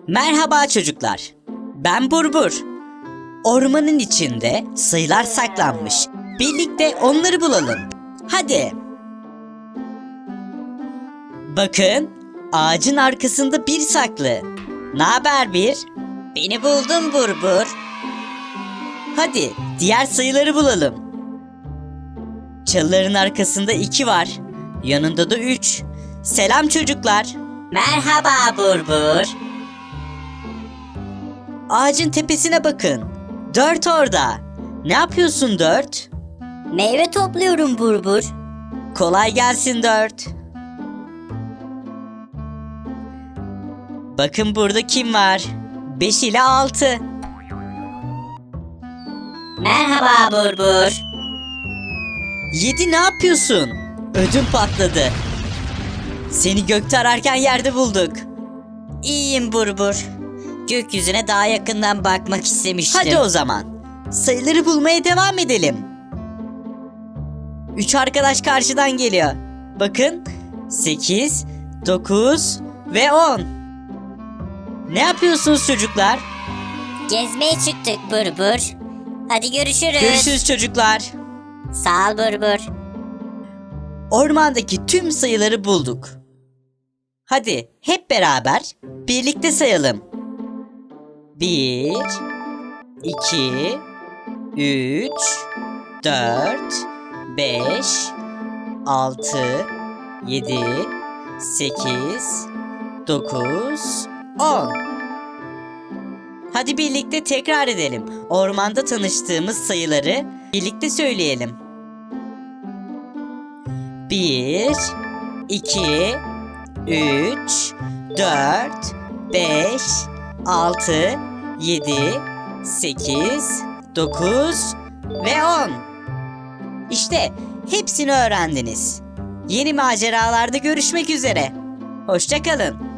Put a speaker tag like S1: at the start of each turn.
S1: Merhaba çocuklar. Ben Burbur. Ormanın içinde sayılar saklanmış. Birlikte onları bulalım. Hadi. Bakın, ağacın arkasında bir saklı. Naber bir? Beni buldun Burbur. Hadi diğer sayıları bulalım. Çalıların arkasında 2 var. Yanında da 3. Selam çocuklar. Merhaba Burbur. Ağacın tepesine bakın. 4 orada. Ne yapıyorsun 4?
S2: Meyve topluyorum Burbur.
S1: Kolay gelsin 4. Bakın burada kim var? 5 ile 6.
S2: Merhaba Burbur.
S1: 7 ne yapıyorsun? Ödüm patladı. Seni gökte ararken yerde bulduk.
S2: İyiyim Burbur. Gökyüzüne daha yakından bakmak istemiştim.
S1: Hadi o zaman. Sayıları bulmaya devam edelim. 3 arkadaş karşıdan geliyor. Bakın. 8, 9 ve 10. Ne yapıyorsunuz çocuklar?
S2: Gezmeye çıktık Burbur. Hadi görüşürüz.
S1: Görüşürüz çocuklar.
S2: Sağ ol Burbur.
S1: Ormandaki tüm sayıları bulduk. Hadi hep beraber birlikte sayalım. 1, 2, 3, 4, 5, 6, 7, 8, 9, 10. Hadi birlikte tekrar edelim. Ormanda tanıştığımız sayıları birlikte söyleyelim. 1, 2, 3, 4, 5, 6, 7, 8, 9 ve 10. İşte hepsini öğrendiniz. Yeni maceralarda görüşmek üzere. Hoşça kalın.